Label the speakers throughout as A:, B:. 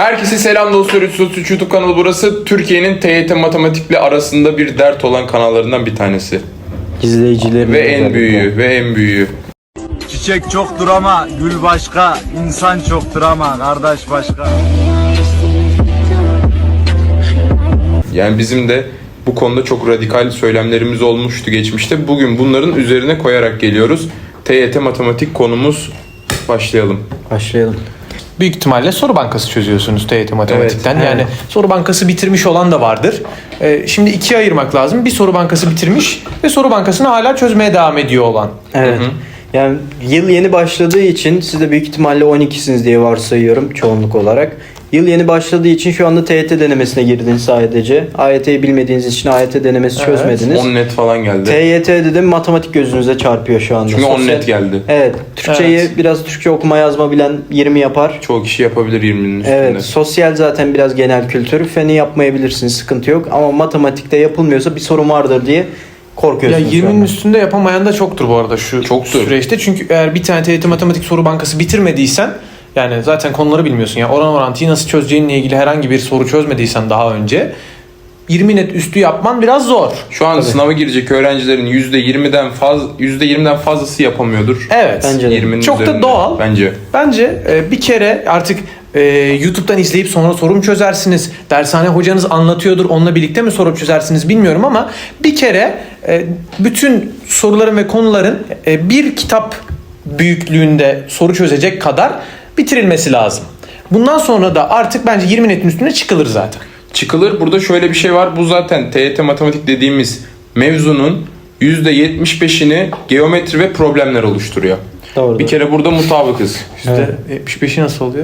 A: Herkese selam dostlar. 333 YouTube kanalı burası. Türkiye'nin TYT matematikle arasında bir dert olan kanallarından bir tanesi.
B: İzleyicilerin
A: Ve en büyüğü.
C: Çiçek çoktur ama gül başka, insan çoktur ama kardeş başka.
A: Yani bizim de bu konuda çok radikal söylemlerimiz olmuştu geçmişte. Bugün bunların üzerine koyarak geliyoruz. TYT matematik konumuz, başlayalım.
D: Büyük ihtimalle soru bankası çözüyorsunuz TYT matematikten.
A: Evet.
D: Yani soru bankası bitirmiş olan da vardır. Şimdi ikiye ayırmak lazım. Bir soru bankası bitirmiş ve soru bankasını hala çözmeye devam ediyor olan.
B: Evet. Yani yıl yeni başladığı için siz de büyük ihtimalle 12'siniz diye varsayıyorum çoğunluk olarak. Yıl yeni başladığı için şu anda TYT denemesine girdiniz sadece. AYT'yi bilmediğiniz için AYT denemesi çözmediniz.
A: 10 net falan geldi.
B: TYT'de de matematik gözünüze çarpıyor şu anda.
A: Çünkü 10 net geldi.
B: Evet. Türkçeyi biraz Türkçe okuma yazma bilen 20 yapar.
A: Çoğu kişi yapabilir 20'nin üstünde.
B: Evet. Sosyal zaten biraz genel kültür. Feni yapmayabilirsiniz. Sıkıntı yok. Ama matematikte yapılmıyorsa bir sorun vardır diye
D: Ya
B: korkuyorsunuz.
D: 20'nin üstünde yapamayan da çoktur bu arada şu
A: Çoktur.
D: süreçte. Çünkü eğer bir tane TYT matematik soru bankası bitirmediysen, yani zaten konuları bilmiyorsun. Yani oran orantıyı nasıl çözeceğinle ilgili herhangi bir soru çözmediysen daha önce 20 net üstü yapman biraz zor.
A: Şu an sınava girecek öğrencilerin %20'den fazlası yapamıyordur.
D: Evet.
B: Bence de.
A: 20'nin
D: Çok da
A: üzerinde.
D: doğal.
A: Bence.
D: Bir kere artık YouTube'dan izleyip sonra sorum çözersiniz. Dershane hocanız anlatıyordur. Onunla birlikte mi soru çözersiniz bilmiyorum ama bir kere bütün soruların ve konuların bir kitap büyüklüğünde soru çözecek kadar bitirilmesi lazım. Bundan sonra da artık bence 20 netin üstüne çıkılır zaten.
A: Çıkılır. Burada şöyle bir şey var. Bu zaten TYT matematik dediğimiz mevzunun %75'ini geometri ve problemler oluşturuyor.
B: Doğru.
A: Bir kere burada mutabıkız.
D: %75'i nasıl oluyor?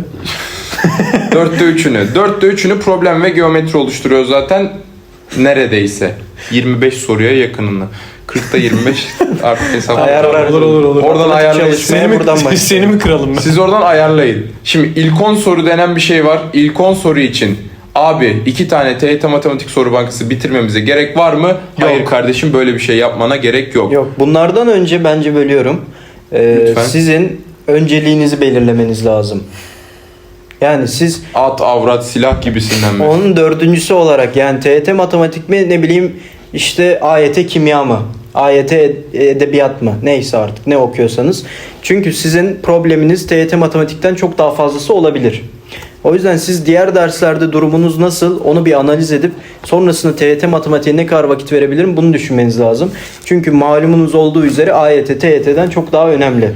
A: 4'te 3'ünü problem ve geometri oluşturuyor zaten neredeyse. 25 soruya yakınını. 40'ta 25 artık hesap.
B: Ayarlar. Olur.
A: Oradan ayarlayın.
B: Çalışmaya buradan başlayalım.
D: Seni mi kıralım ben?
A: Siz oradan ayarlayın. Şimdi ilk 10 soru denen bir şey var. İlk 10 soru için abi 2 tane TYT matematik soru bankası bitirmemize gerek var mı? Hayır kardeşim, böyle bir şey yapmana gerek yok.
B: Yok. Bunlardan önce bence bölüyorum.
A: Lütfen.
B: Sizin önceliğinizi belirlemeniz lazım. Yani siz
A: At, avrat, silah gibisinden mi?
B: onun dördüncüsü olarak, yani TYT matematik mi, ne bileyim işte AYT kimya mı? AYT edebiyat mı? Neyse artık ne okuyorsanız. Çünkü sizin probleminiz TYT matematikten çok daha fazlası olabilir. O yüzden siz diğer derslerde durumunuz nasıl, onu bir analiz edip sonrasında TYT matematiğe ne kadar vakit verebilirim, bunu düşünmeniz lazım. Çünkü malumunuz olduğu üzere AYT TYT'den çok daha önemli.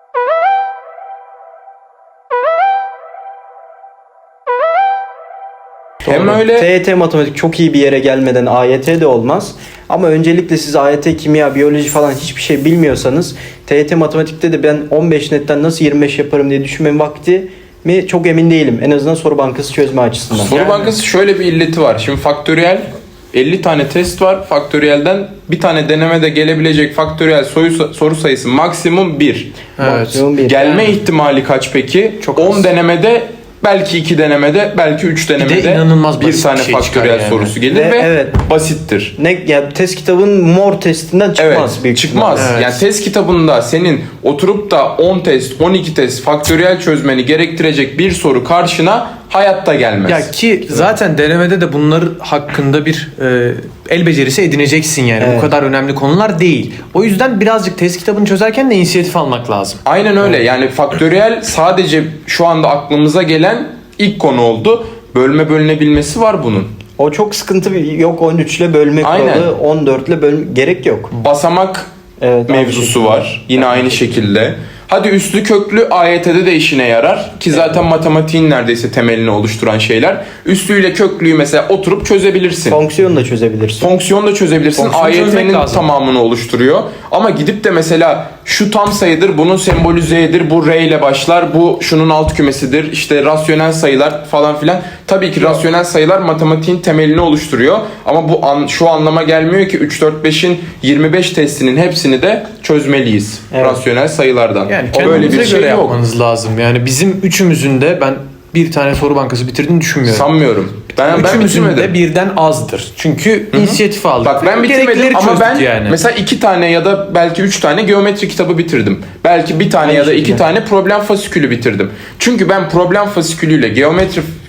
A: Hem öyle
B: TYT matematik çok iyi bir yere gelmeden AYT de olmaz. Ama öncelikle siz AYT, kimya, biyoloji falan hiçbir şey bilmiyorsanız TYT matematikte de ben 15 netten nasıl 25 yaparım diye düşünmenin vakti mi çok emin değilim. En azından soru bankası çözme açısından.
A: soru bankası şöyle bir illeti var. Şimdi faktöriyel 50 tane test var. Faktöriyelden bir tane denemede gelebilecek faktöriyel soru sayısı maksimum 1.
B: Maksimum bir.
A: Gelme ihtimali kaç peki?
D: Çok
A: 10
D: az.
A: denemede, belki 2 denemede, belki 3 denemede
D: inanılmaz
A: bir
D: basit
A: tane
D: bir şey
A: faktöriyel
D: çıkar yani.
A: sorusu gelir
B: Ve
A: ve
B: evet.
A: basittir.
B: Ne ya, test kitabın mor testinden çıkmaz
A: Evet,
B: büyük
A: çıkmaz.
D: Evet.
A: Yani test kitabında senin oturup da 10 test, 12 test faktöriyel çözmeni gerektirecek bir soru karşına hayatta gelmez.
D: Ya ki zaten denemede de bunlar hakkında bir el becerisi edineceksin yani.
B: Evet.
D: Bu kadar önemli konular değil. O yüzden birazcık test kitabını çözerken de inisiyatif almak lazım.
A: Aynen öyle. Yani faktöriyel sadece şu anda aklımıza gelen ilk konu oldu. Bölme bölünebilmesi var bunun.
B: O çok sıkıntı, yok 13 ile bölme
A: Aynen.
B: kuralı, 14 ile bölme gerek yok.
A: Basamak
B: Evet,
A: mevzusu
B: aynı
A: var. Yine aynı şekilde. Hadi üslü köklü AYT'de de işine yarar. Ki zaten matematiğin neredeyse temelini oluşturan şeyler. Üslüyle köklüyü mesela oturup çözebilirsin.
B: Fonksiyon da çözebilirsin.
A: Fonksiyon da çözebilirsin.
D: Fonksiyon çözmek
A: AYT'nin
D: lazım.
A: tamamını oluşturuyor. Ama gidip de mesela şu tam sayıdır, bunun sembolü Z'dir, bu R ile başlar, bu şunun alt kümesidir, işte rasyonel sayılar falan filan. Tabii ki rasyonel sayılar matematiğin temelini oluşturuyor. Ama bu şu anlama gelmiyor ki 3, 4, 5'in 25 testinin hepsini de çözmeliyiz.
B: Evet.
A: Rasyonel sayılardan.
D: Yani
A: O böyle
D: kendinize
A: bir şey
D: göre
A: yok.
D: yapmanız lazım. Yani bizim üçümüzün de ben bir tane soru bankası bitirdiğini düşünmüyorum.
A: Sanmıyorum. Ben
D: Üçümüzün de
A: bitirmedim.
D: birden azdır. Çünkü inisiyatif aldık.
A: Bak ben
D: Gereklileri
A: bitirmedim ama
D: çözdük
A: ben
D: yani.
A: mesela 2 tane ya da belki 3 tane geometri kitabı bitirdim. Belki bir tane
B: Aynı
A: ya da 2
B: şekilde.
A: tane problem fasikülü bitirdim. Çünkü ben problem fasikülüyle geometri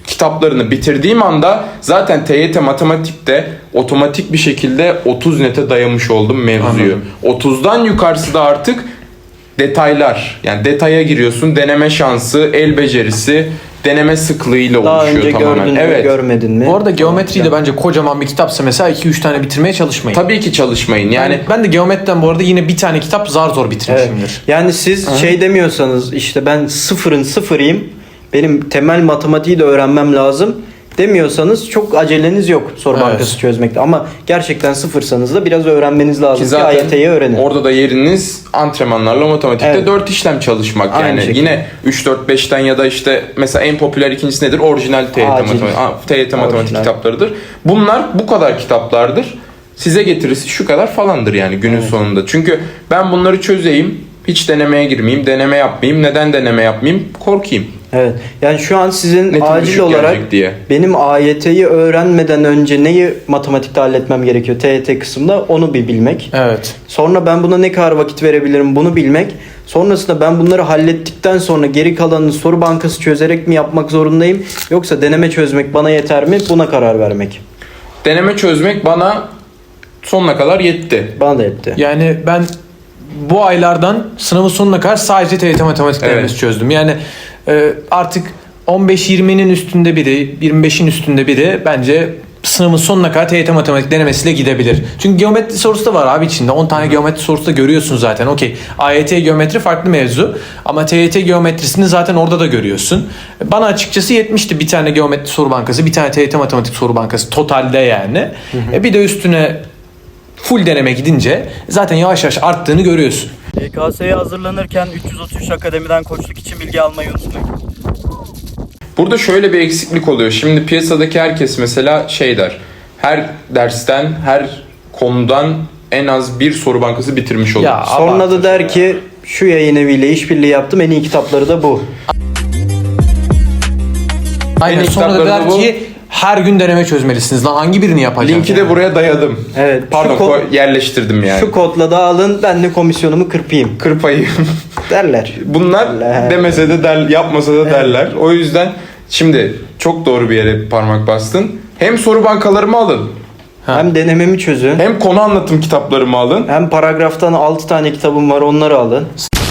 A: kitaplarını bitirdiğim anda zaten TYT matematikte otomatik bir şekilde 30 nete dayamış oldum mevzuyu.
D: Anladım.
A: 30'dan yukarısı da artık detaylar. Yani detaya giriyorsun. Deneme şansı, el becerisi, deneme sıklığıyla
B: Daha
A: oluşuyor
B: önce
A: tamamen.
B: gördün mü,
A: Evet.
B: görmedin mi?
D: Bu arada geometriyi de bence kocaman bir kitapsa mesela 2-3 tane bitirmeye çalışmayın.
A: Tabii ki çalışmayın. Yani
D: Ben de geometriden bu arada yine bir tane kitap zar zor bitirmişimdir.
B: Evet. Yani siz şey demiyorsanız işte ben sıfırın sıfırıyım, benim temel matematiği de öğrenmem lazım demiyorsanız çok aceleniz yok soru
D: Evet.
B: bankası çözmekte. Ama gerçekten sıfırsanız da biraz öğrenmeniz lazım ki
A: zaten
B: AYT'yi öğrenin.
A: orada da yeriniz antrenmanlarla matematikte
B: Evet.
A: 4 işlem çalışmak.
B: Aynı
A: Yani
B: şekilde.
A: yine 3-4-5'ten ya da işte mesela en popüler ikincisi nedir? Orijinal TYT
B: Acil.
A: TYT matematik
B: Orijinal.
A: kitaplarıdır. Bunlar bu kadar kitaplardır. Size getirisi şu kadar falandır yani günün sonunda. Çünkü ben bunları çözeyim, hiç denemeye girmeyeyim, deneme yapmayayım. Neden deneme yapmayayım? Korkayım.
B: Evet. Yani şu an sizin
A: Netim
B: acil
A: düşük
B: olarak
A: gelecek diye.
B: benim AYT'yi öğrenmeden önce neyi matematikte halletmem gerekiyor TYT kısmında onu bir bilmek.
D: Evet.
B: Sonra ben buna ne kadar vakit verebilirim bunu bilmek. Sonrasında ben bunları hallettikten sonra geri kalanını soru bankası çözerek mi yapmak zorundayım? Yoksa deneme çözmek bana yeter mi? Buna karar vermek.
A: Deneme çözmek bana sonuna kadar yetti.
B: Bana da yetti.
D: Yani ben bu aylardan sınavın sonuna kadar sadece TYT matematik
A: Evet.
D: denemesi çözdüm. Yani artık 15-20'nin üstünde biri, 25'in üstünde biri bence sınavın sonuna kadar TYT matematik denemesiyle gidebilir. Çünkü geometri sorusu da var abi içinde. 10 tane geometri sorusu da görüyorsun zaten. Okey. AYT geometri farklı mevzu. Ama TYT geometrisini zaten orada da görüyorsun. Bana açıkçası yetmişti bir tane geometri soru bankası, bir tane TYT matematik soru bankası totalde yani. Bir de üstüne full deneme gidince zaten yavaş yavaş arttığını görüyorsun.
B: YKS'ye hazırlanırken 333 Akademi'den koçluk için bilgi almayı unutmayın.
A: Burada şöyle bir eksiklik oluyor. Şimdi piyasadaki herkes mesela şey der. Her dersten, her konudan en az bir soru bankası bitirmiş olur.
D: Ya,
B: Sonra da
D: abartır
B: der
D: ya.
B: ki şu yayın eviyle işbirliği yaptım en iyi kitapları da bu.
D: Aynen.
A: Benim
D: Sonra da
A: kitaplarımda
D: der
A: bu-
D: ki her gün deneme çözmelisiniz. Lan hangi birini yapacağım?
A: Linki de buraya dayadım.
B: Evet.
A: Pardon
B: Şu
A: yerleştirdim yani.
B: Şu kodla da alın ben de komisyonumu kırpayım
A: Kırpayım.
B: derler.
A: Bunlar
B: derler.
A: demese de yapmasa da derler. O yüzden şimdi çok doğru bir yere parmak bastın. Hem soru bankalarımı alın.
B: Hem denememi çözün.
A: Hem konu anlatım kitaplarımı alın.
B: Hem paragraftan 6 tane kitabım var onları alın.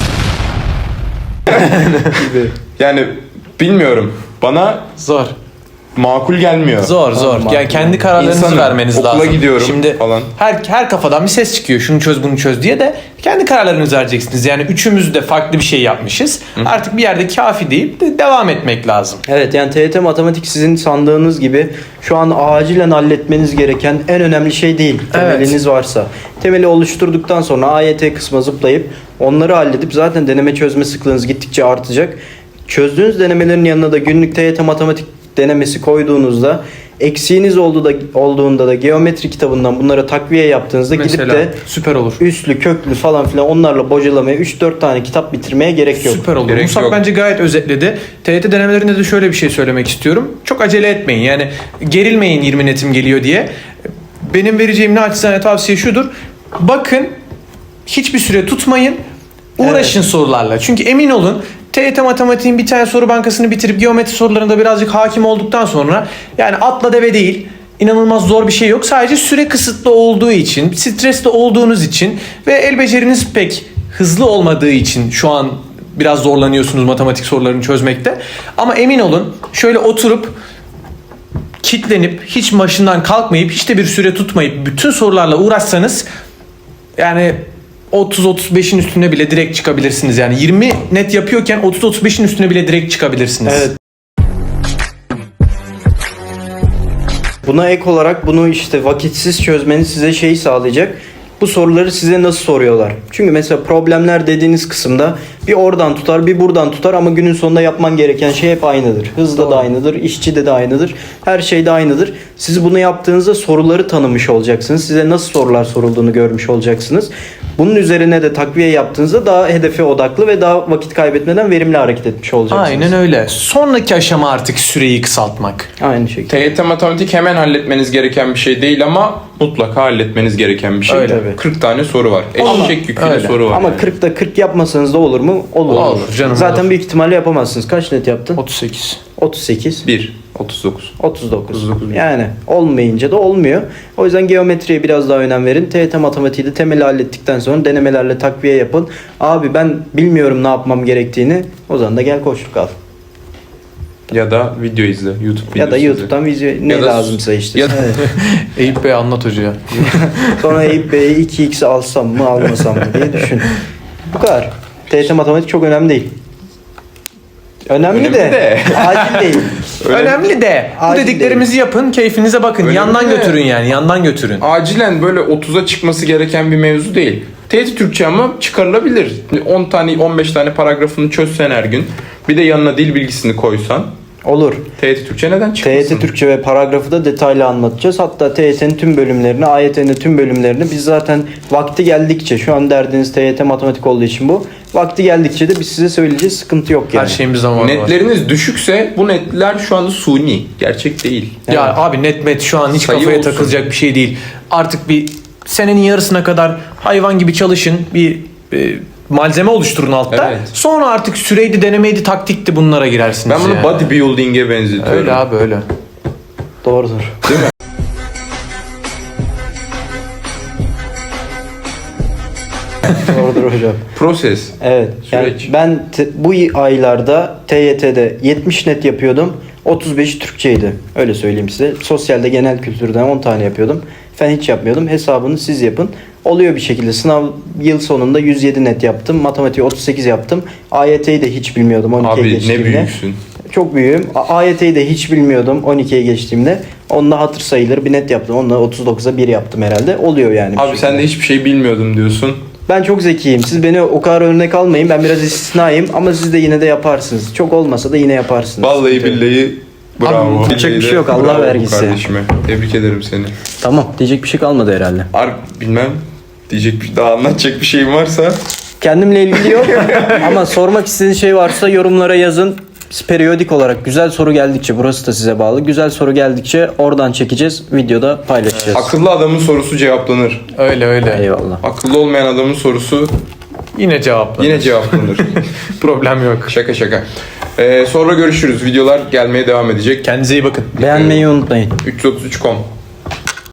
A: Yani bilmiyorum. Bana
D: Zor.
A: makul gelmiyor.
D: Zor. Yani kendi kararlarınızı
A: İnsanım,
D: vermeniz
A: okula
D: lazım.
A: gidiyorum
D: Şimdi
A: falan.
D: her kafadan bir ses çıkıyor. Şunu çöz bunu çöz diye de kendi kararlarınızı vereceksiniz. Yani üçümüz de farklı bir şey yapmışız. Artık bir yerde kafi deyip de devam etmek lazım.
B: Evet yani TYT matematik sizin sandığınız gibi şu an acilen halletmeniz gereken en önemli şey değil. Temeliniz varsa. Temeli oluşturduktan sonra AYT kısmına zıplayıp onları halledip zaten deneme çözme sıklığınız gittikçe artacak. Çözdüğünüz denemelerin yanına da günlük TYT matematik denemesi koyduğunuzda eksiğiniz olduğunda da geometri kitabından bunlara takviye yaptığınızda
D: Mesela
B: gidip de
D: süper olur.
B: üslü, köklü falan filan onlarla bocalamaya 3-4 tane kitap bitirmeye gerek yok.
D: Süper olur.
A: Gerek
D: Musab
A: yok.
D: bence gayet özetledi. TYT denemelerinde de şöyle bir şey söylemek istiyorum. Çok acele etmeyin. Yani gerilmeyin 20 netim geliyor diye. Benim vereceğim naçizane tavsiye şudur. Bakın hiçbir süre tutmayın. Uğraşın sorularla. Çünkü emin olun TYT matematiğin bir tane soru bankasını bitirip geometri sorularında birazcık hakim olduktan sonra yani atla deve değil. İnanılmaz zor bir şey yok. Sadece süre kısıtlı olduğu için, stresli olduğunuz için ve el beceriniz pek hızlı olmadığı için şu an biraz zorlanıyorsunuz matematik sorularını çözmekte. Ama emin olun şöyle oturup kitlenip hiç başından kalkmayıp hiç de bir süre tutmayıp bütün sorularla uğraşsanız yani 30-35'in üstüne bile direkt çıkabilirsiniz. Yani 20 net yapıyorken 30-35'in üstüne bile direkt çıkabilirsiniz.
B: Evet. Buna ek olarak bunu işte vakitsiz çözmeniz size şeyi sağlayacak. Bu soruları size nasıl soruyorlar? Çünkü mesela problemler dediğiniz kısımda bir oradan tutar bir buradan tutar ama günün sonunda yapman gereken şey hep aynıdır. Hızda da aynıdır, işçide de aynıdır, her şeyde aynıdır. Siz bunu yaptığınızda soruları tanımış olacaksınız. Size nasıl sorular sorulduğunu görmüş olacaksınız. Bunun üzerine de takviye yaptığınızda daha hedefe odaklı ve daha vakit kaybetmeden verimli hareket etmiş olacaksınız.
D: Aynen öyle. Sonraki aşama artık süreyi kısaltmak.
B: Aynı şekilde.
A: TYT matematik hemen halletmeniz gereken bir şey değil ama mutlaka halletmeniz gereken bir şey.
D: Öyle.
A: 40 tane soru var. Eşek yüküyle
D: öyle.
A: soru var.
B: Ama
A: yani.
B: 40'ta 40 yapmasanız da olur mu? mu? Olur.
D: Olur, canım,
B: Zaten
D: olur.
B: büyük ihtimalle yapamazsınız. Kaç net yaptın?
D: 38.
B: 38.
A: 1. 39.
B: 39.
A: 39.
B: Yani olmayınca da olmuyor. O yüzden geometriye biraz daha önem verin. TYT matematiği de temeli hallettikten sonra denemelerle takviye yapın. Abi ben bilmiyorum ne yapmam gerektiğini. O zaman da gel koşluk al.
A: Ya da video izle. YouTube videosu
B: Ya da
A: izle.
B: YouTube'dan video ne
A: Ya da-
B: lazımsa işte.
A: ya da-
B: Evet.
D: Eyüp Bey anlat hocaya.
B: Sonra Eyüp Bey'e 2x alsam mı almasam mı diye düşün. Bu kadar. TYT matematik çok önemli değil. Önemli,
A: Önemli
B: de,
A: de.
B: acil değil.
D: Önemli de bu
B: Acil
D: dediklerimizi yapın, keyfinize bakın.
A: Önemli
D: yandan
A: de.
D: götürün yani, yandan götürün.
A: Acilen böyle 30'a çıkması gereken bir mevzu değil. TYT Türkçe ama çıkarılabilir. 10 tane 15 tane paragrafını çözsen her gün. Bir de yanına dil bilgisini koysan.
B: Olur.
A: TYT Türkçe neden çıkmasın?
B: TYT Türkçe ve paragrafı da detaylı anlatacağız. Hatta TYT'nin tüm bölümlerini, AYT'nin tüm bölümlerini biz zaten vakti geldikçe, şu an derdiniz TYT matematik olduğu için bu. Vakti geldikçe de biz size söyleyeceğiz. Sıkıntı yok yani.
D: Her şeyimiz zamanı var.
A: Netleriniz düşükse bu netler şu anda suni. Gerçek değil.
D: Ya abi net şu an hiç
A: Sayı
D: kafaya
A: olsun.
D: takılacak bir şey değil. Artık bir senenin yarısına kadar hayvan gibi çalışın. Bir malzeme oluşturun altta.
A: Evet.
D: Sonra artık süreydi, denemeydi, taktikti bunlara girersiniz.
A: Ben bunu
D: ya.
A: bodybuilding'e benzetiyorum.
D: Öyle abi öyle.
B: Doğrudur.
A: Değil mi?
B: Doğrudur hocam.
A: Proses.
B: Evet. Yani
A: Süreç.
B: ben bu aylarda TYT'de 70 net yapıyordum. 35'i Türkçeydi. Öyle söyleyeyim size. Sosyalde genel kültürden 10 tane yapıyordum. Fen hiç yapmıyordum. Hesabını siz yapın. Oluyor bir şekilde. Sınav yıl sonunda 107 net yaptım. Matematiği 38 yaptım. AYT'yi de hiç bilmiyordum 12'ye
A: Abi
B: geçtiğimde.
A: ne büyüksün.
B: Çok büyüğüm. AYT'yi de hiç bilmiyordum 12'ye geçtiğimde. Onunla hatır sayılır bir net yaptım. Onunla 39'a 1 yaptım herhalde. Oluyor yani. bir
A: Abi
B: şekilde.
A: sen de hiçbir şey bilmiyordum diyorsun.
B: Ben çok zekiyim. Siz beni o kadar örnek almayın. Ben biraz istisnayım ama siz de yine de yaparsınız. Çok olmasa da yine yaparsınız.
A: Vallahi
B: Sıkıntı yok.
A: billahi bravo.
B: Abi, yapacak bir şey yok, Allah
A: Bravo
B: vergisi.
A: Kardeşime. Tebrik ederim seni.
B: Tamam. Diyecek bir şey kalmadı herhalde.
A: Bilmem. Diyecek daha anlatacak bir şeyim varsa.
B: Kendimle ilgili yok ama sormak istediğiniz şey varsa yorumlara yazın. Biz periyodik olarak güzel soru geldikçe, burası da size bağlı. Güzel soru geldikçe oradan çekeceğiz. Videoda paylaşacağız.
A: Akıllı adamın sorusu cevaplanır.
D: Öyle öyle.
B: Eyvallah.
A: Akıllı olmayan adamın sorusu
D: Yine cevapla.
A: yine cevaplanır.
D: Problem yok.
A: Şaka şaka. Sonra görüşürüz. Videolar gelmeye devam edecek.
D: Kendinize iyi bakın.
B: Beğenmeyi unutmayın.
A: 333.com